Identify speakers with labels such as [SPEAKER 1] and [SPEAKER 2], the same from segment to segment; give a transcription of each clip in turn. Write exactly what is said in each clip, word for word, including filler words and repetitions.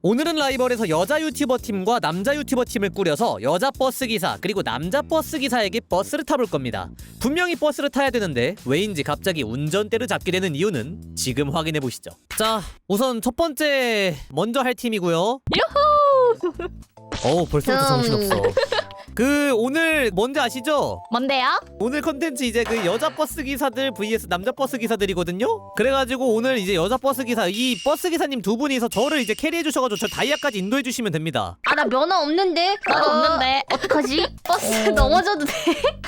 [SPEAKER 1] 오늘은 라이벌에서 여자 유튜버 팀과 남자 유튜버 팀을 꾸려서 여자 버스 기사 그리고 남자 버스 기사에게 버스를 타볼 겁니다. 분명히 버스를 타야 되는데 왜인지 갑자기 운전대를 잡게 되는 이유는 지금 확인해 보시죠. 자, 우선 첫 번째 먼저 할 팀이고요.
[SPEAKER 2] 유후!
[SPEAKER 1] 어우, 벌써부터
[SPEAKER 2] 음.
[SPEAKER 1] 정신없어. 그 오늘 뭔지 아시죠?
[SPEAKER 2] 뭔데요?
[SPEAKER 1] 오늘 컨텐츠 이제 그 여자 버스 기사들 vs 남자 버스 기사들이거든요. 그래가지고 오늘 이제 여자 버스 기사 이 버스 기사님 두 분이서 저를 이제 캐리해 주셔가지고 저 다이아까지 인도해 주시면 됩니다.
[SPEAKER 3] 아 나 면허 없는데?
[SPEAKER 2] 나도
[SPEAKER 3] 어,
[SPEAKER 2] 없는데.
[SPEAKER 3] 어떡하지? 버스
[SPEAKER 2] 어.
[SPEAKER 3] 넘어져도 돼?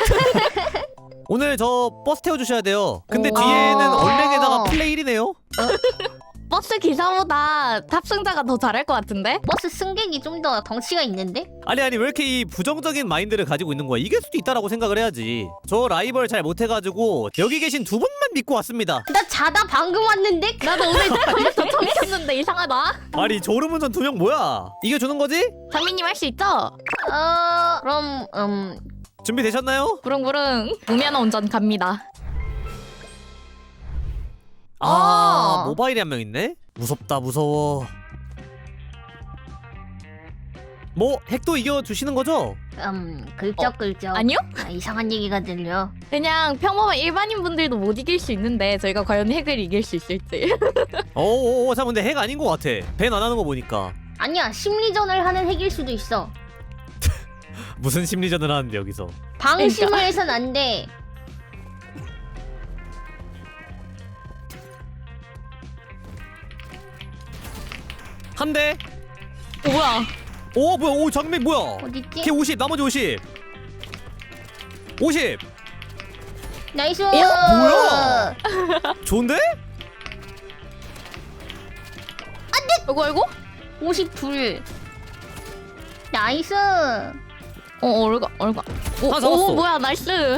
[SPEAKER 1] 오늘 저 버스 태워 주셔야 돼요. 근데
[SPEAKER 2] 오.
[SPEAKER 1] 뒤에는
[SPEAKER 3] 아.
[SPEAKER 1] 얼랭에다가 플레일이네요.
[SPEAKER 2] 버스 기사보다 탑승자가 더 잘할 것 같은데?
[SPEAKER 3] 버스 승객이 좀 더 덩치가 있는데?
[SPEAKER 1] 아니 아니 왜 이렇게 이 부정적인 마인드를 가지고 있는 거야? 이길 수도 있다라고 생각을 해야지. 저 라이벌 잘 못해가지고 여기 계신 두 분만 믿고 왔습니다.
[SPEAKER 3] 나 자다 방금 왔는데?
[SPEAKER 2] 나도 오늘 벌써 처음 켰는데 이상하다.
[SPEAKER 1] 아니 졸음운전 두 명 뭐야? 이겨주는 거지?
[SPEAKER 2] 장민님 할 수 있죠?
[SPEAKER 3] 어... 그럼... 음...
[SPEAKER 1] 준비되셨나요?
[SPEAKER 2] 부릉부릉 무면허 운전 갑니다.
[SPEAKER 1] 아
[SPEAKER 3] 어.
[SPEAKER 1] 모바일에 한 명 있네? 무섭다 무서워. 뭐 핵도 이겨주시는 거죠?
[SPEAKER 3] 음... 글쩍글쩍
[SPEAKER 2] 아니요?
[SPEAKER 3] 아, 이상한 얘기가 들려.
[SPEAKER 2] 그냥 평범한 일반인 분들도 못 이길 수 있는데 저희가 과연 핵을 이길 수 있을지.
[SPEAKER 1] 어어어 자 근데 핵 아닌 것 같아. 밴 안 하는 거 보니까.
[SPEAKER 3] 아니야, 심리전을 하는 핵일 수도 있어.
[SPEAKER 1] 무슨 심리전을 하는데 여기서.
[SPEAKER 3] 방심을
[SPEAKER 2] 그러니까.
[SPEAKER 3] 해선 안 돼.
[SPEAKER 1] 한 대.
[SPEAKER 2] 오, 뭐야?
[SPEAKER 1] 오 뭐야 오 장면 뭐야?
[SPEAKER 3] 어딨지?
[SPEAKER 1] 걔 오십 나머지 오십. 오십.
[SPEAKER 3] 나이스!
[SPEAKER 1] 뭐야? 좋은데?
[SPEAKER 2] 이거 이거?
[SPEAKER 3] 오십이. 나이스!
[SPEAKER 2] 어 얼가 얼가. 오,
[SPEAKER 1] 하나 잡았어.
[SPEAKER 2] 오 뭐야 나이스.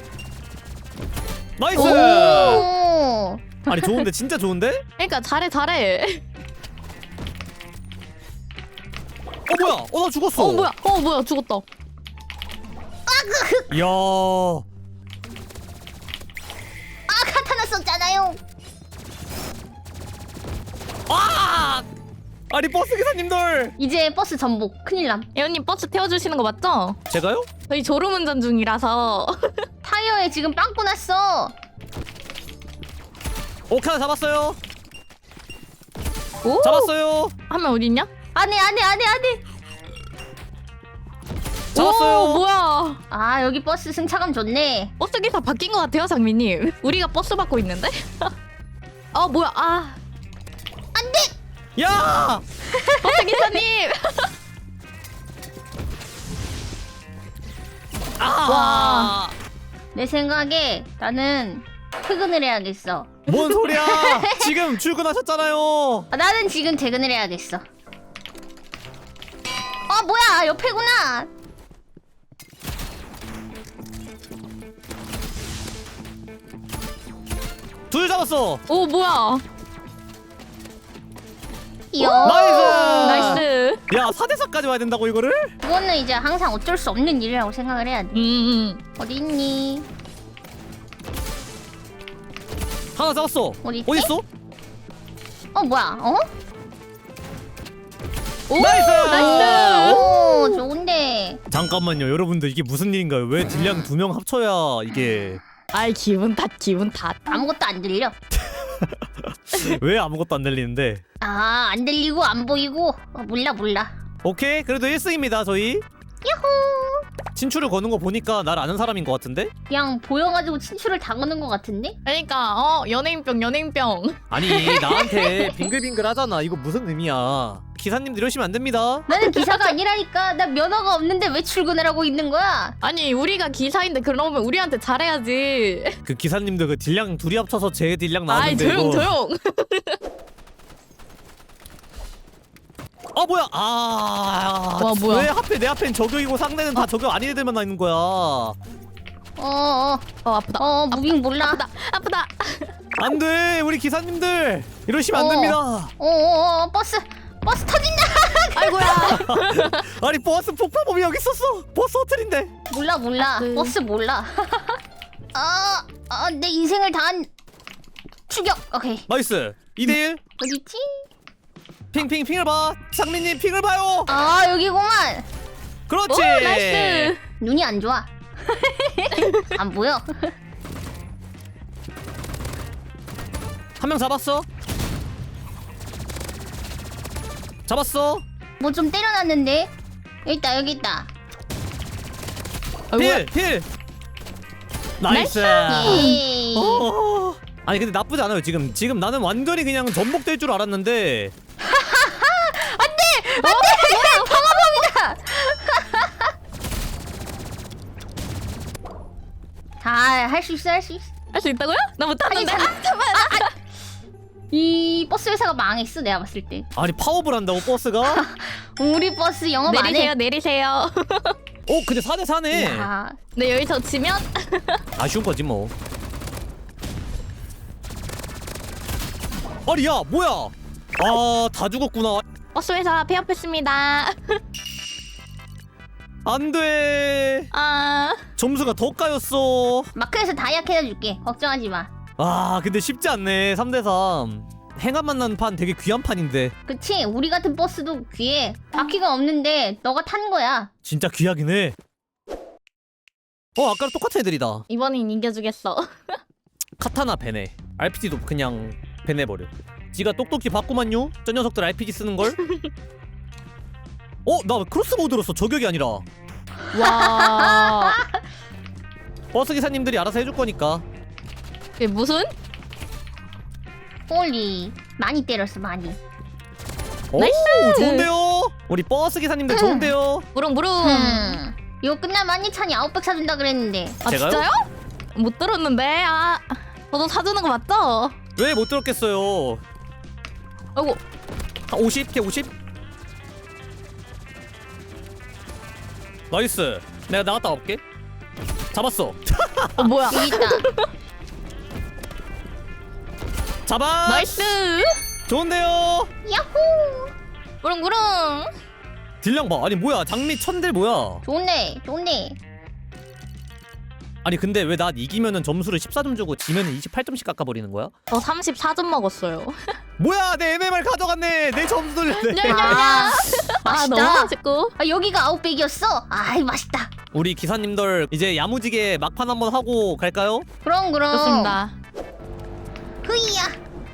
[SPEAKER 1] 나이스.
[SPEAKER 3] 오!
[SPEAKER 1] 아니 좋은데 진짜 좋은데?
[SPEAKER 2] 그러니까 잘해 잘해.
[SPEAKER 1] 어 뭐야? 어 나 죽었어.
[SPEAKER 2] 어 뭐야? 어 뭐야 죽었다.
[SPEAKER 1] 이야.
[SPEAKER 3] 아, 카타나 썼잖아요!
[SPEAKER 1] 아! 아니 버스 기사님들.
[SPEAKER 3] 이제 버스 전복. 큰일남.
[SPEAKER 2] 예원님 버스 태워주시는 거 맞죠?
[SPEAKER 1] 제가요?
[SPEAKER 2] 저희 졸음운전 중이라서.
[SPEAKER 3] 타이어에 지금 빵꾸 났어!
[SPEAKER 1] 오케이 하나 잡았어요.
[SPEAKER 2] 오?
[SPEAKER 1] 잡았어요.
[SPEAKER 2] 한 명 어딨냐?
[SPEAKER 3] 안해 안해 안해 안해!
[SPEAKER 1] 잡았어요.
[SPEAKER 2] 오 뭐야?
[SPEAKER 3] 아, 여기 버스 승차감 좋네.
[SPEAKER 2] 버스 기사 바뀐 것 같아요 장미님. 우리가 버스 받고 있는데? 아 뭐야? 아
[SPEAKER 1] 야!
[SPEAKER 2] 버스 기사님.
[SPEAKER 1] 아!
[SPEAKER 2] 와.
[SPEAKER 3] 내 생각에 나는 퇴근을 해야겠어.
[SPEAKER 1] 뭔 소리야? 지금 출근하셨잖아요.
[SPEAKER 3] 아, 나는 지금 퇴근을 해야겠어. 아, 뭐야, 옆에구나.
[SPEAKER 1] 둘 잡았어.
[SPEAKER 2] 오 뭐야?
[SPEAKER 3] 이요.
[SPEAKER 1] 나이스.
[SPEAKER 2] 나이스.
[SPEAKER 1] 야 사 대 사까지 와야 된다고 이거를?
[SPEAKER 3] 그거는 이제 항상 어쩔 수 없는 일이라고 생각을 해야 돼.
[SPEAKER 2] 음.
[SPEAKER 3] 어디 있니?
[SPEAKER 1] 하나 잡았어.
[SPEAKER 3] 어디 있지?
[SPEAKER 1] 어딨어?
[SPEAKER 3] 어, 뭐야? 어?
[SPEAKER 2] 오
[SPEAKER 1] 나이스!
[SPEAKER 2] 나이스.
[SPEAKER 3] 오, 좋은데.
[SPEAKER 1] 잠깐만요 여러분들 이게 무슨 일인가요? 왜 딜량 두 명 합쳐야 이게
[SPEAKER 2] 아이 기분 탓 기분 탓.
[SPEAKER 3] 아무것도 안 들려.
[SPEAKER 1] 왜 아무것도 안 들리는데?
[SPEAKER 3] 아, 안 들리고 안 보이고. 어, 몰라 몰라.
[SPEAKER 1] 오케이 그래도 일 승입니다 저희.
[SPEAKER 3] 야호.
[SPEAKER 1] 친추를 거는 거 보니까 날 아는 사람인 것 같은데?
[SPEAKER 3] 그냥 보여가지고 친추를 당하는 것 같은데?
[SPEAKER 2] 그러니까 어 연예인병 연예인병.
[SPEAKER 1] 아니 나한테 빙글빙글 하잖아. 이거 무슨 의미야? 기사님들 이러시면 안 됩니다.
[SPEAKER 3] 나는 기사가 아니라니까. 나 면허가 없는데 왜 출근을 하고 있는 거야?
[SPEAKER 2] 아니 우리가 기사인데 그러면 우리한테 잘해야지.
[SPEAKER 1] 그 기사님들 그 딜량 둘이 합쳐서 제 딜량
[SPEAKER 2] 아이
[SPEAKER 1] 나왔는데
[SPEAKER 2] 조용
[SPEAKER 1] 이거.
[SPEAKER 2] 조용.
[SPEAKER 1] 아 뭐야? 아
[SPEAKER 2] 와, 뭐야?
[SPEAKER 1] 왜 하필 내 앞엔 저격이고 상대는 다 저격 아닌 애들만 나 있는 거야?
[SPEAKER 3] 어어 어,
[SPEAKER 2] 어 아프다.
[SPEAKER 3] 어, 무빙 몰라.
[SPEAKER 2] 아프다 아프다.
[SPEAKER 1] 안돼 우리 기사님들 이러시면 안
[SPEAKER 3] 어.
[SPEAKER 1] 됩니다.
[SPEAKER 3] 어어어, 버스 버스 터진다.
[SPEAKER 2] 아이고야.
[SPEAKER 1] 아니 버스 폭파범이 여기 있었어. 버스 호텔인데.
[SPEAKER 3] 몰라 몰라.
[SPEAKER 2] 네.
[SPEAKER 3] 버스 몰라. 아, 아, 내 인생을 다한 추격. 오케이.
[SPEAKER 1] 나이스 이 대 일.
[SPEAKER 3] 어디지?
[SPEAKER 1] 핑핑 핑을 봐. 상민님 핑을 봐요.
[SPEAKER 3] 아 여기구만.
[SPEAKER 1] 그렇지.
[SPEAKER 2] 오 나이스.
[SPEAKER 3] 눈이 안 좋아. 안 보여.
[SPEAKER 1] 한 명 잡았어. 잡았어.
[SPEAKER 3] 뭐 좀 때려놨는데. 여기 있다 여기 있다.
[SPEAKER 1] 필 필. 나이스.
[SPEAKER 3] 예이.
[SPEAKER 1] 어. 아니 근데 나쁘지 않아요. 지금 지금 나는 완전히 그냥 전복될 줄 알았는데.
[SPEAKER 3] 다 할 수 있어 할 수 있어.
[SPEAKER 2] 할 수 있다고요? 나 못하는데.
[SPEAKER 3] 아니,
[SPEAKER 2] 아, 잠깐만.
[SPEAKER 3] 이 버스 회사가 망했어 내가 봤을 때.
[SPEAKER 1] 아니 파업을 한다고 버스가?
[SPEAKER 3] 우리 버스 영업 안
[SPEAKER 2] 내리세요
[SPEAKER 3] 해.
[SPEAKER 2] 내리세요.
[SPEAKER 1] 어 근데 사 대 사네.
[SPEAKER 3] 야,
[SPEAKER 2] 네 여기서 지면
[SPEAKER 1] 아쉬운 거지 뭐. 아니 야 뭐야? 아 다 죽었구나.
[SPEAKER 2] 버스 회사 폐업했습니다.
[SPEAKER 1] 안돼.
[SPEAKER 2] 아
[SPEAKER 1] 점수가 더 까였어.
[SPEAKER 3] 마크에서 다이아크 해줄게. 걱정하지 마.
[SPEAKER 1] 아 근데 쉽지 않네. 삼 대 삼. 행한 만난 판 되게 귀한 판인데.
[SPEAKER 3] 그치? 우리 같은 버스도 귀해. 바퀴가 없는데 너가 탄 거야.
[SPEAKER 1] 진짜 귀하긴 해. 어 아까랑 똑같은 애들이다.
[SPEAKER 2] 이번엔 이겨주겠어.
[SPEAKER 1] 카타나 베네. 알피지도 그냥 베내버려. 지가 똑똑히 봤구만요. 저 녀석들 알피지 쓰는 걸. 어? 나 크로스보우 들었어. 저격이 아니라.
[SPEAKER 2] 와
[SPEAKER 1] 버스 기사님들이 알아서 해줄 거니까.
[SPEAKER 2] 이게 무슨?
[SPEAKER 3] 홀리. 많이 때렸어 많이.
[SPEAKER 1] 오 좋은데요. 우리 버스 기사님들 좋은데요.
[SPEAKER 2] 무릉무릉.
[SPEAKER 3] 음. 이거 끝나면 한니찬이 아웃백 사준다 그랬는데.
[SPEAKER 2] 아
[SPEAKER 1] 제가요?
[SPEAKER 2] 진짜요? 못 들었는데. 아 저도 사주는 거 맞죠?
[SPEAKER 1] 왜 못 들었겠어요.
[SPEAKER 2] 아이고
[SPEAKER 1] 한 오십? 걔 오십? 나이스. 내가 나갔다 올게. 잡았어.
[SPEAKER 2] 어 뭐야?
[SPEAKER 3] 여기 있다.
[SPEAKER 1] 잡아.
[SPEAKER 2] 나이스.
[SPEAKER 1] 좋은데요.
[SPEAKER 3] 야호.
[SPEAKER 2] 무릉무릉.
[SPEAKER 1] 딜량 봐. 아니 뭐야 장미 천들 뭐야.
[SPEAKER 3] 좋네 좋네.
[SPEAKER 1] 아니 근데 왜 나 이기면은 점수를 십사 점 주고 지면은 이십팔 점씩 깎아버리는 거야?
[SPEAKER 2] 저 삼십사 점 먹었어요.
[SPEAKER 1] 뭐야 내 엠엠알 가져갔네. 내 점수 돌렸네.
[SPEAKER 3] 아,
[SPEAKER 2] 아 너무
[SPEAKER 3] 맛있다.
[SPEAKER 2] 맛있고.
[SPEAKER 3] 아, 여기가 아웃백이었어? 아이 맛있다.
[SPEAKER 1] 우리 기사님들 이제 야무지게 막판 한번 하고 갈까요?
[SPEAKER 3] 그럼 그럼.
[SPEAKER 2] 좋습니다.
[SPEAKER 3] 흐이야.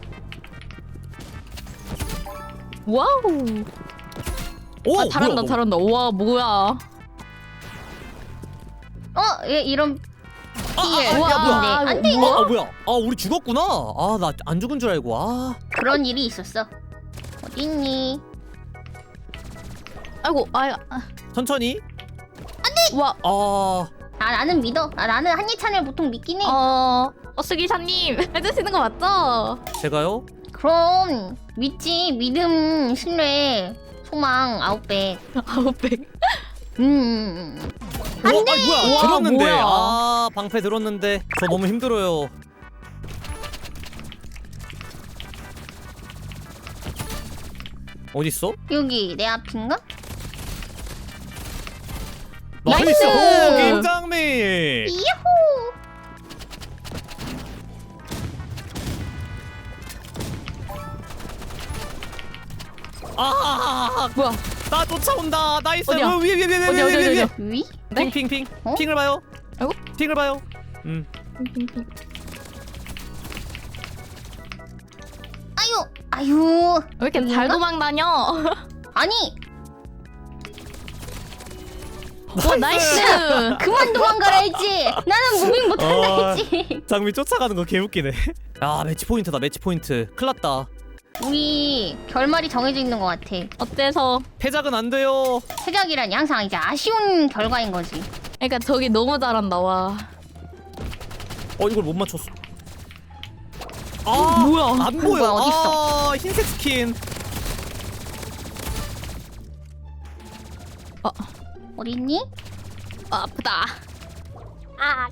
[SPEAKER 2] 와우.
[SPEAKER 1] 오
[SPEAKER 2] 아 잘한다
[SPEAKER 1] 뭐야,
[SPEAKER 2] 잘한다. 우와 뭐야.
[SPEAKER 3] 어? 얘 이런.
[SPEAKER 1] 아, 아,
[SPEAKER 3] 예.
[SPEAKER 1] 아, 야
[SPEAKER 2] 우와,
[SPEAKER 1] 뭐야?
[SPEAKER 3] 안 돼,
[SPEAKER 2] 이거
[SPEAKER 1] 아, 아 뭐야? 아 우리 죽었구나. 아 나 안 죽은 줄 알고. 아
[SPEAKER 3] 그런 일이 있었어. 어딨니?
[SPEAKER 2] 아이고 아야.
[SPEAKER 1] 천천히.
[SPEAKER 2] 와.
[SPEAKER 1] 아
[SPEAKER 3] 아 나는 믿어. 아 나는 한니찬을 보통 믿긴 해.
[SPEAKER 2] 어 버스 기사님 해주시는 거 맞죠?
[SPEAKER 1] 제가요?
[SPEAKER 3] 그럼 믿지. 믿음, 신뢰, 소망, 아웃백.
[SPEAKER 2] 아웃백.
[SPEAKER 3] 음.
[SPEAKER 1] 어, 아니 뭐야?
[SPEAKER 2] 우와,
[SPEAKER 1] 들었는데.
[SPEAKER 2] 뭐야.
[SPEAKER 1] 아 방패 들었는데. 저 너무 힘들어요. 어딨어?
[SPEAKER 3] 여기 내 앞인가?
[SPEAKER 1] 나이스!
[SPEAKER 2] 나이스!
[SPEAKER 1] 오, 김장미!
[SPEAKER 3] 이야호.
[SPEAKER 1] 아,
[SPEAKER 2] 뭐야?
[SPEAKER 1] 나 쫓아온다. 나이스.
[SPEAKER 2] 어디야?
[SPEAKER 1] 어, 위에 위에 위에 위에
[SPEAKER 2] 어디, 어디,
[SPEAKER 1] 위에 위에.
[SPEAKER 2] 어디?
[SPEAKER 3] 위?
[SPEAKER 2] 네?
[SPEAKER 1] 핑핑핑.
[SPEAKER 3] 어?
[SPEAKER 1] 핑을 봐요.
[SPEAKER 2] 아이고.
[SPEAKER 1] 핑을 봐요. 음.
[SPEAKER 3] 아유, 아유.
[SPEAKER 2] 왜 이렇게 잘 도망 다녀?
[SPEAKER 3] 아니,
[SPEAKER 2] 와 나이스.
[SPEAKER 3] 그만 도망가라 했지. 나는 무빙 못한다
[SPEAKER 1] 어.
[SPEAKER 3] 했지.
[SPEAKER 1] 장미 쫓아가는 거 개웃기네. 아 매치 포인트다. 매치 포인트. 큰일 났다.
[SPEAKER 3] 우리 결말이 정해져 있는 것 같아.
[SPEAKER 2] 어때서?
[SPEAKER 1] 패작은 안 돼요.
[SPEAKER 3] 퇴작이라니 항상 이제 아쉬운 결과인 거지.
[SPEAKER 2] 그러니까 저기 너무 잘한다 와.
[SPEAKER 1] 어 이걸 못 맞췄어. 아
[SPEAKER 2] 뭐야?
[SPEAKER 1] 안 보여.
[SPEAKER 3] 뭐야, 어딨어?
[SPEAKER 1] 아 흰색 스킨.
[SPEAKER 2] 어,
[SPEAKER 3] 어딨니?
[SPEAKER 2] 아, 아프다. 아,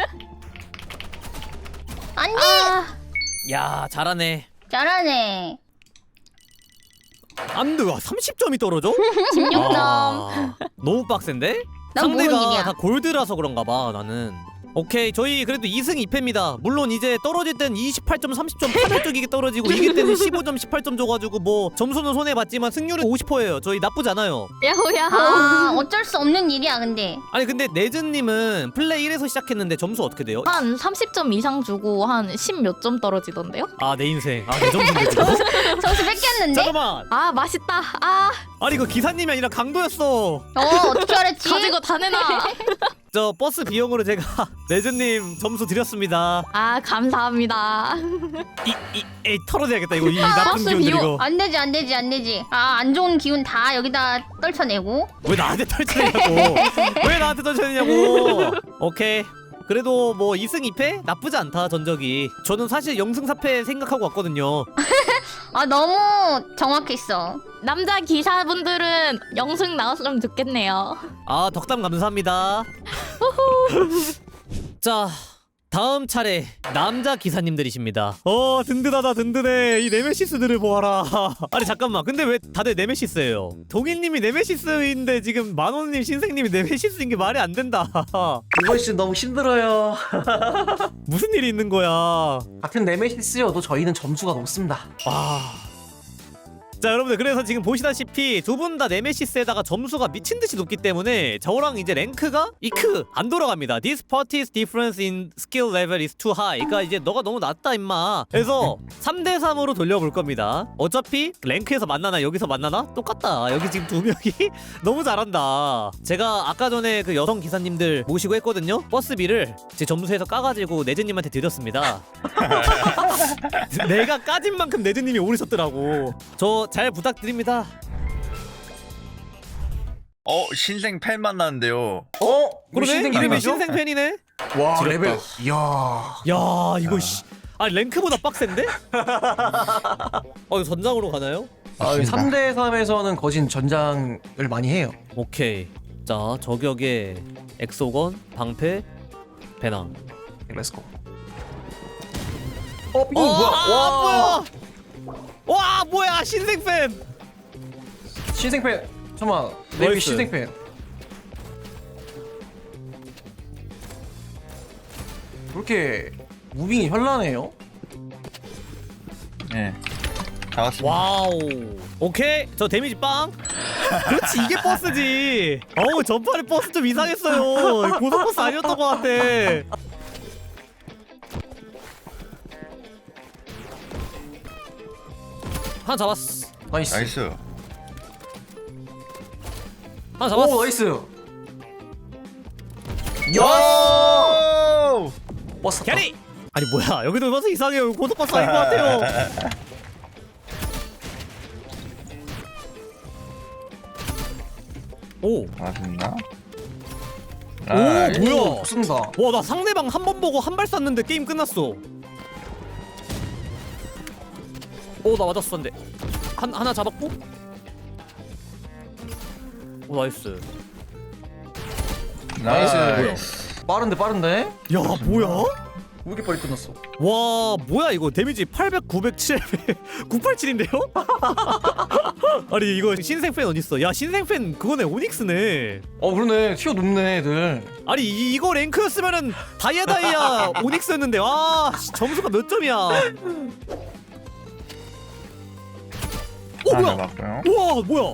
[SPEAKER 3] 안돼.
[SPEAKER 2] 아,
[SPEAKER 1] 야 잘하네.
[SPEAKER 3] 잘하네.
[SPEAKER 1] 안 돼. 와 삼십 점이 떨어져?
[SPEAKER 2] 십육 점.
[SPEAKER 1] 아, 너무 빡센데?
[SPEAKER 3] 난 모르는
[SPEAKER 1] 상대가
[SPEAKER 3] 일이야.
[SPEAKER 1] 다 골드라서 그런가 봐 나는. 오케이 저희 그래도 이 승 이 패입니다. 물론 이제 떨어질 땐 이십팔 점 삼십 점 팔 회 쪽이게 떨어지고 이길 때는 십오 점 십팔 점 줘가지고 뭐 점수는 손해봤지만 승률은 오십 퍼센트예요. 저희 나쁘지 않아요.
[SPEAKER 2] 야호야호.
[SPEAKER 3] 아 어쩔 수 없는 일이야 근데.
[SPEAKER 1] 아니 근데 네즈님은 플레이 일에서 시작했는데 점수 어떻게 돼요?
[SPEAKER 2] 한 삼십 점 이상 주고 한 십 몇 점 떨어지던데요?
[SPEAKER 1] 아 내 인생 아내 점수인데 지금?
[SPEAKER 3] 점수 뺏겼는데?
[SPEAKER 1] 잠깐만
[SPEAKER 2] 아 맛있다. 아
[SPEAKER 1] 아니 이거 기사님이 아니라 강도였어.
[SPEAKER 3] 어 어떻게 알았지?
[SPEAKER 2] 가지고 다 내놔.
[SPEAKER 1] 저 버스 비용으로 제가 네즈님 점수 드렸습니다.
[SPEAKER 2] 아 감사합니다.
[SPEAKER 1] 이, 이, 에이 털어내야겠다 이거 이 나쁜
[SPEAKER 2] 버스
[SPEAKER 1] 기운들
[SPEAKER 2] 비용.
[SPEAKER 1] 이거.
[SPEAKER 3] 안 되지 안 되지 안 되지. 아 안 좋은 기운 다 여기다 떨쳐내고.
[SPEAKER 1] 왜 나한테 털쳐내냐고. 왜 나한테 털쳐내냐고. 오케이 그래도 뭐 이 승 이 패? 나쁘지 않다 전적이. 저는 사실 영 승 사 패 생각하고 왔거든요.
[SPEAKER 3] 아 너무 정확했어.
[SPEAKER 2] 남자 기사분들은 영승 나왔으면 좋겠네요.
[SPEAKER 1] 아 덕담 감사합니다. 자 다음 차례 남자 기사님들이십니다. 어 든든하다 든든해. 이 네메시스들을 보아라. 아니 잠깐만 근데 왜 다들 네메시스예요? 동일님이 네메시스인데 지금 만원님 신생님이 네메시스인 게 말이 안 된다.
[SPEAKER 4] 이번 시즌 너무 힘들어요.
[SPEAKER 1] 무슨 일이 있는 거야.
[SPEAKER 4] 같은 네메시스여도 저희는 점수가 높습니다.
[SPEAKER 1] 와. 자 여러분들 그래서 지금 보시다시피 두 분 다 네메시스에다가 점수가 미친듯이 높기 때문에 저랑 이제 랭크가 이크 안 돌아갑니다. This party's difference in skill level is too high. 그러니까 이제 너가 너무 낮다 임마. 그래서 삼 대 삼으로 돌려볼 겁니다. 어차피 랭크에서 만나나 여기서 만나나 똑같다. 여기 지금 두 명이 너무 잘한다. 제가 아까 전에 그 여성 기사님들 모시고 했거든요. 버스비를 제 점수에서 까가지고 네즈님한테 드렸습니다. 내가 까진 만큼 네즈님이 오르셨더라고. 저 잘 부탁드립니다.
[SPEAKER 5] 어 신생 팬 만났는데요.
[SPEAKER 4] 어?
[SPEAKER 1] 그러네? 이름이 신생팬이네?
[SPEAKER 4] 와
[SPEAKER 1] 지렸다.
[SPEAKER 4] 레벨. 이야.
[SPEAKER 1] 야 이거 씨. 아 랭크보다 빡센데? 어 이거 전장으로 가나요?
[SPEAKER 4] 아, 삼 대 삼에서는 거진 전장을 많이 해요.
[SPEAKER 1] 오케이. 자 저격에 엑소건, 방패, 배낭.
[SPEAKER 4] 렛츠고. 어? 이거
[SPEAKER 1] 어,
[SPEAKER 4] 뭐야?
[SPEAKER 1] 아,
[SPEAKER 4] 와.
[SPEAKER 1] 뭐야? 와 뭐야 신생팬.
[SPEAKER 4] 신생팬. 잠깐만. 레벨
[SPEAKER 1] 나이스.
[SPEAKER 4] 신생팬. 그렇게 무빙이 현란해요?
[SPEAKER 5] 네. 잡았습니다.
[SPEAKER 1] 와우. 오케이 저 데미지 빵. 그렇지 이게 버스지. 어우 전판에 버스 좀 이상했어요. 고속 버스 아니었던 것 같아. 하나 잡았어.
[SPEAKER 4] 나이스.
[SPEAKER 5] 나이스.
[SPEAKER 1] 하나 잡았어.
[SPEAKER 4] 오 나이스.
[SPEAKER 5] 오!
[SPEAKER 4] 버스 탔다.
[SPEAKER 1] 캐리. 아니 뭐야 여기도 버스 이상해요. 고속 버스 아닌 것 같아요. 오.
[SPEAKER 5] 맞습니다.
[SPEAKER 1] 오
[SPEAKER 5] 나이스.
[SPEAKER 1] 뭐야?
[SPEAKER 4] 쓴다.
[SPEAKER 1] 와 나 상대방 한 번 보고 한 발 쐈는데 게임 끝났어. 오 나 맞았어 근데 한 하나 잡았고. 오 나이스.
[SPEAKER 5] 나이스.
[SPEAKER 4] 빠른데 빠른데?
[SPEAKER 1] 야 뭐야?
[SPEAKER 4] 왜 이렇게 빨리 끝났어?
[SPEAKER 1] 와 뭐야 이거 데미지 팔백, 구백, 칠백, 구백팔십칠인데요? 아니 이거 신생팬 어딨어? 야 신생팬 그거네 오닉스네.
[SPEAKER 4] 어 그러네. 티어 높네 애들.
[SPEAKER 1] 아니 이, 이거 랭크였으면은 다이아 다이아 오닉스였는데 와 씨, 점수가 몇 점이야? 오
[SPEAKER 5] 하나
[SPEAKER 1] 뭐야?
[SPEAKER 5] 잡았고요.
[SPEAKER 1] 우와 뭐야?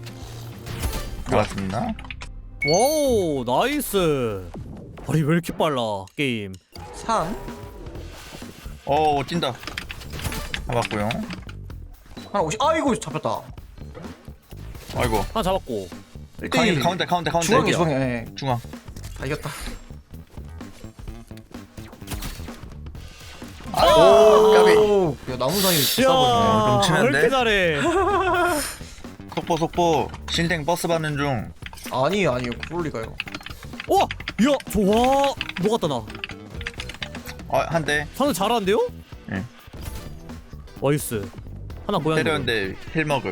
[SPEAKER 5] 잡았습니다.
[SPEAKER 1] 와우 나이스. 아니 왜 이렇게 빨라 게임?
[SPEAKER 4] 삼.
[SPEAKER 5] 오 찐다. 잡았고요.
[SPEAKER 4] 하나 오십. 아이고 잡혔다.
[SPEAKER 5] 아이고.
[SPEAKER 1] 하나 잡았고.
[SPEAKER 4] 일 대 일.
[SPEAKER 5] 가운데 가운데 가운데
[SPEAKER 4] 중앙에
[SPEAKER 5] 가운데.
[SPEAKER 4] 중앙에. 예.
[SPEAKER 5] 중앙.
[SPEAKER 4] 다 이겼다.
[SPEAKER 5] 오 까비.
[SPEAKER 4] 오. 야 나무 사이
[SPEAKER 1] 야
[SPEAKER 4] 싸버리네.
[SPEAKER 5] 좀 치는데?
[SPEAKER 1] 왜 이렇게 잘해?
[SPEAKER 5] 속보 속보. 신생 버스 받는 중.
[SPEAKER 4] 아니에요 아니에요. 그럴 리가요.
[SPEAKER 1] 와, 야 좋아. 녹았다 나.
[SPEAKER 5] 어한 대.
[SPEAKER 1] 사는 잘하는데요?
[SPEAKER 5] 예.
[SPEAKER 1] 나이스. 하나 고양이.
[SPEAKER 5] 때렸는데 힐 먹음.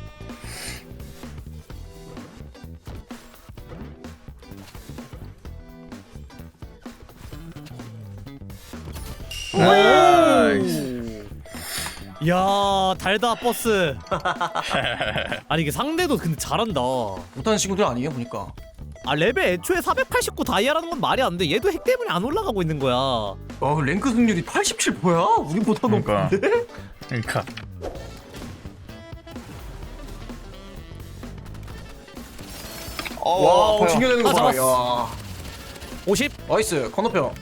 [SPEAKER 5] 나이스.
[SPEAKER 1] 야 달다 버스. 아니 이게 상대도 근데 잘한다.
[SPEAKER 4] 못하는 친구들 아니에요 보니까.
[SPEAKER 1] 아 레벨 애초에 사백팔십구 다이아라는 건 말이 안 돼. 얘도 핵 때문에 안 올라가고 있는 거야.
[SPEAKER 4] 와 랭크 승률이 팔십칠 뭐야? 우리보다
[SPEAKER 5] 그러니까.
[SPEAKER 4] 높은데?
[SPEAKER 5] 그러니까. 어,
[SPEAKER 4] 와
[SPEAKER 5] 아파요.
[SPEAKER 4] 징겨내는
[SPEAKER 1] 아,
[SPEAKER 4] 거 봐.
[SPEAKER 1] 잡았어.
[SPEAKER 4] 야.
[SPEAKER 1] 오십.
[SPEAKER 4] 나이스 건너편.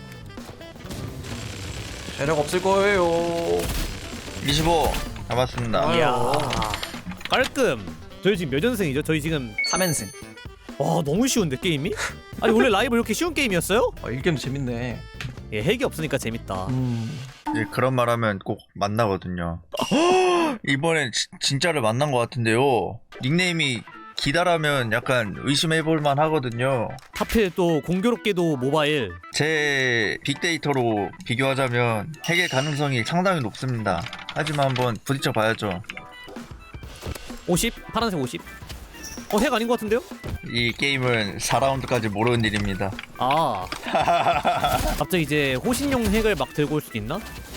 [SPEAKER 4] 재력 없을 거예요.
[SPEAKER 5] 이십오 잡았습니다.
[SPEAKER 4] 아유.
[SPEAKER 1] 이야. 깔끔. 저희 지금 몇 연승이죠? 저희 지금
[SPEAKER 4] 삼 연승.
[SPEAKER 1] 와 너무 쉬운데 게임이? 아니 원래 라이브 이렇게 쉬운 게임이었어요?
[SPEAKER 4] 아, 일 게임도 재밌네.
[SPEAKER 1] 예, 핵이 없으니까 재밌다.
[SPEAKER 4] 음.
[SPEAKER 5] 예, 그런 말 하면 꼭 만나거든요. 이번엔 지- 진짜를 만난 것 같은데요. 닉네임이 기다라면 약간 의심해볼만 하거든요.
[SPEAKER 1] 하필 또 공교롭게도 모바일.
[SPEAKER 5] 제 빅데이터로 비교하자면 핵의 가능성이 상당히 높습니다. 하지만 한번 부딪혀 봐야죠.
[SPEAKER 1] 오십. 파란색 오십. 어, 핵 아닌 것 같은데요?
[SPEAKER 5] 이 게임은 사 라운드까지 모르는 일입니다.
[SPEAKER 1] 아. 갑자기 이제 호신용 핵을 막 들고 올 수도 있나?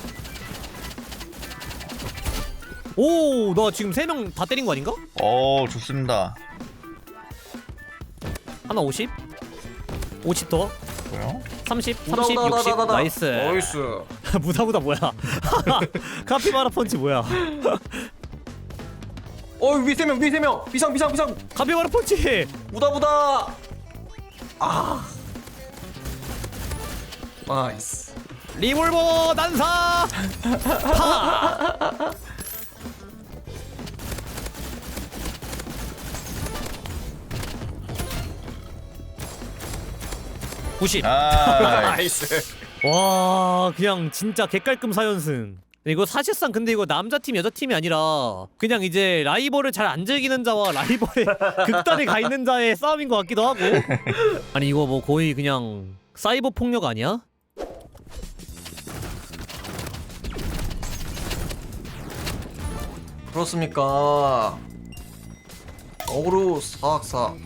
[SPEAKER 1] 오, 나 지금 세 명 다 때린 거 아닌가?
[SPEAKER 5] 어, 좋습니다.
[SPEAKER 1] 하나 오십. 오십 더.
[SPEAKER 5] 뭐요?
[SPEAKER 1] 삼십, 삼십, 육십. 나이스.
[SPEAKER 4] 나이스.
[SPEAKER 1] 무다무다 뭐야? 카피바라 펀치 뭐야?
[SPEAKER 4] 어 위 세 명, 위 세 명. 비상 비상 비상.
[SPEAKER 1] 카피바라 펀치.
[SPEAKER 4] 무다무다. 아. 나이스.
[SPEAKER 1] 리볼버 난사. 파. 구십.
[SPEAKER 5] 아,
[SPEAKER 4] 나이스.
[SPEAKER 1] 와 그냥 진짜 개깔끔 사 연승. 이거 사실상 근데 이거 남자팀 여자팀이 아니라 그냥 이제 라이벌을 잘 안 즐기는 자와 라이벌의 극단에 가 있는 자의 싸움인 것 같기도 하고. 아니 이거 뭐 거의 그냥 사이버 폭력 아니야?
[SPEAKER 4] 그렇습니까? 어그로 사악사.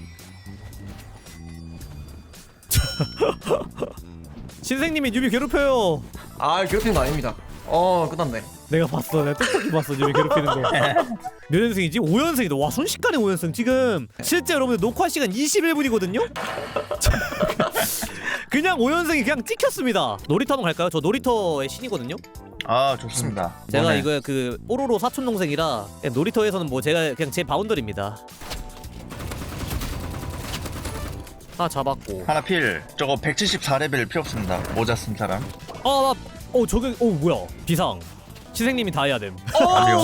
[SPEAKER 1] 신생님이 뉴비 괴롭혀요.
[SPEAKER 4] 아 괴롭히는 거 아닙니다. 어 끝났네.
[SPEAKER 1] 내가 봤어. 내가 똑똑히 봤어. 뉴비 괴롭히는 거. 몇 연승이지? 오 연승이다. 와 순식간에 오 연승. 지금 실제 여러분들 녹화 시간 이십일 분이거든요? 그냥 오 연승이 그냥 찍혔습니다. 놀이터 한번 갈까요? 저 놀이터의 신이거든요?
[SPEAKER 5] 아 좋습니다.
[SPEAKER 1] 제가
[SPEAKER 5] 이번에
[SPEAKER 1] 이거 그 뽀로로 사촌 동생이라 놀이터에서는 뭐 제가 그냥 제 바운더리입니다. 하나 잡았고.
[SPEAKER 5] 하나 필. 저거 백칠십사 레벨 필요 없습니다. 모자 쓴 사람.
[SPEAKER 1] 아, 나, 어 저게, 어 뭐야? 비상. 시생님이 다 해야 됨.
[SPEAKER 5] 아니요.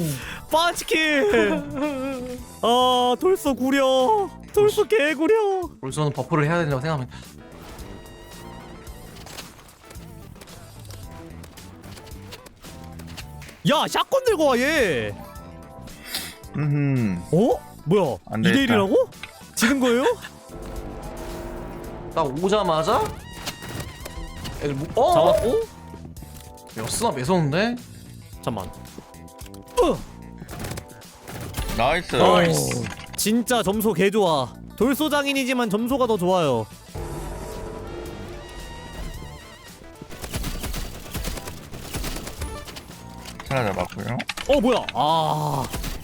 [SPEAKER 1] 빠치킨. 아, 돌소 구려. 돌소 개구려.
[SPEAKER 4] 벌써는 버프를 해야 된다고 생각하면.
[SPEAKER 1] 야, 샷건 들고 와 얘.
[SPEAKER 5] 음.
[SPEAKER 1] 어? 뭐야?
[SPEAKER 5] 안
[SPEAKER 1] 이 대
[SPEAKER 5] 되겠다.
[SPEAKER 1] 일이라고? 지는 거예요?
[SPEAKER 4] 딱 오자마자 애들 뭐? 어?
[SPEAKER 1] 잡았고.
[SPEAKER 4] 야 쓰나 매서운데?
[SPEAKER 1] 잠만. 어.
[SPEAKER 5] 나이스.
[SPEAKER 1] 나이스. 진짜 점수 개 좋아. 돌소 장인이지만 점수가 더 좋아요.
[SPEAKER 5] 하나 잡았고요.
[SPEAKER 1] 어 뭐야? 아.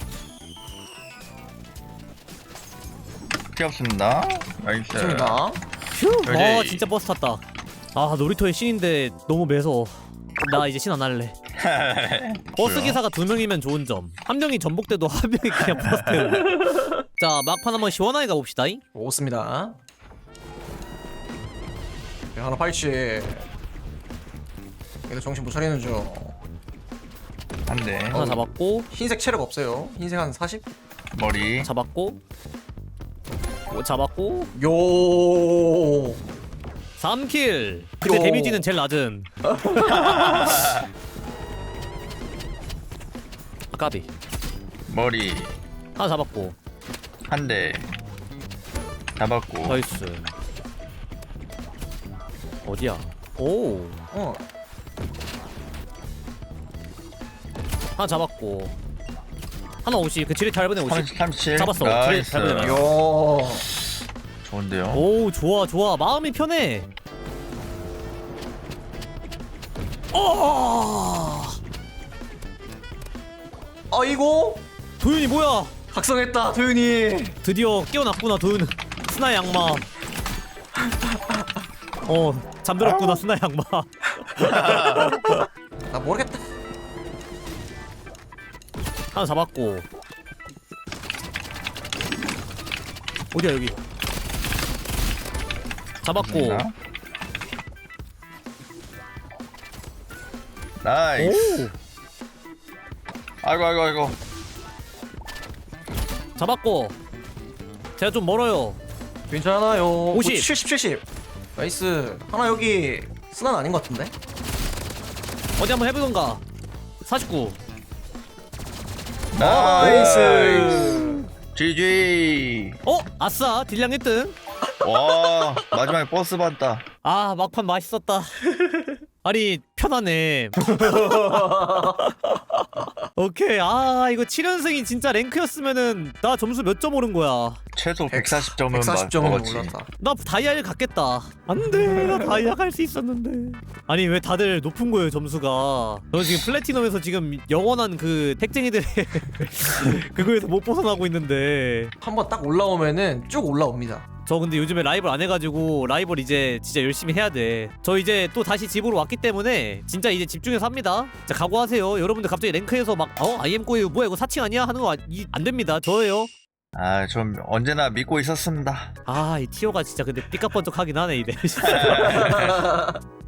[SPEAKER 5] 필요 없습니다. 나이스.
[SPEAKER 4] 좋습니다.
[SPEAKER 1] 휴. 아
[SPEAKER 5] 여기.
[SPEAKER 1] 진짜 버스 탔다. 아 놀이터의 신인데 너무 매서워. 나 이제 신 안 할래. 버스 기사가 두 명이면 좋은 점. 한 명이 전복돼도 한 명이 그냥 버스 태우고. 자 막판 한번 시원하게 가봅시다.
[SPEAKER 4] 오습니다. 야, 하나 팔찌. 얘들 정신 못 차리는 중.
[SPEAKER 5] 한 대.
[SPEAKER 1] 하나 잡았고
[SPEAKER 4] 흰색 체력 없어요. 흰색 한 사십?
[SPEAKER 5] 머리.
[SPEAKER 1] 잡았고 오, 잡았고
[SPEAKER 4] 요.
[SPEAKER 1] 삼 킬. 근데
[SPEAKER 4] 요.
[SPEAKER 1] 데미지는 제일 낮은. 아까비.
[SPEAKER 5] 머리.
[SPEAKER 1] 하나 잡았고.
[SPEAKER 5] 한 대. 잡았고.
[SPEAKER 1] 나이스. 어디야? 오.
[SPEAKER 4] 어.
[SPEAKER 1] 하나 잡았고. 하나 오십. 그 지뢰 잘 보내 오십.
[SPEAKER 5] 삼십, 삼십칠.
[SPEAKER 1] 잡았어.
[SPEAKER 5] 나이스.
[SPEAKER 1] 잘 보내.
[SPEAKER 4] 요.
[SPEAKER 5] 좋은데요.
[SPEAKER 1] 오 좋아 좋아. 마음이 편해. 어.
[SPEAKER 4] 아이고.
[SPEAKER 1] 도윤이 뭐야?
[SPEAKER 4] 각성했다 도윤이.
[SPEAKER 1] 드디어 깨어났구나 도윤은. 스나 양마. 어 잠들었구나 스나 양마.
[SPEAKER 4] 나 모르겠다.
[SPEAKER 1] 하나 잡았고. 어디야 여기? 잡았고.
[SPEAKER 5] 나이스.
[SPEAKER 1] 오
[SPEAKER 5] 아이고 아이고 아이고.
[SPEAKER 1] 잡았고. 제가 좀 멀어요.
[SPEAKER 4] 괜찮아요.
[SPEAKER 1] 오십.
[SPEAKER 4] 칠십 칠십. 나이스. 하나 여기 스난 아닌 것 같은데?
[SPEAKER 1] 어디 한번 해보던가. 사십구.
[SPEAKER 5] 나이스. 지지.
[SPEAKER 1] 어 아싸 딜량 일 등.
[SPEAKER 5] 와 마지막에 버스 봤다.
[SPEAKER 1] 아 막판 맛있었다. 아니 편하네. 오케이. 아 이거 칠 연승이 진짜 랭크였으면은 나 점수 몇 점 오른 거야.
[SPEAKER 5] 최소 백사십 점은
[SPEAKER 4] 백사십 점은
[SPEAKER 5] 먹었지.
[SPEAKER 4] 올랐다.
[SPEAKER 1] 나 다이아를 갔겠다. 안돼 나 다이아 갈 수 있었는데. 아니 왜 다들 높은 거예요 점수가. 너 지금 플래티넘에서 지금 영원한 그 택쟁이들의 그거에서 못 벗어나고 있는데.
[SPEAKER 4] 한번 딱 올라오면은 쭉 올라옵니다.
[SPEAKER 1] 저 근데 요즘에 라이벌 안 해가지고 라이벌 이제 진짜 열심히 해야 돼. 저 이제 또 다시 집으로 왔기 때문에 진짜 이제 집중해서 합니다. 자 각오하세요. 여러분들 갑자기 랭크에서 막 어? 아이엠 꼬예요 뭐야 이거 사칭 아니야? 하는 거 안 됩니다. 저예요.
[SPEAKER 5] 아, 좀 언제나 믿고 있었습니다.
[SPEAKER 1] 아 이 티어가 진짜 근데 삐까뻔쩍하긴 하네 이래.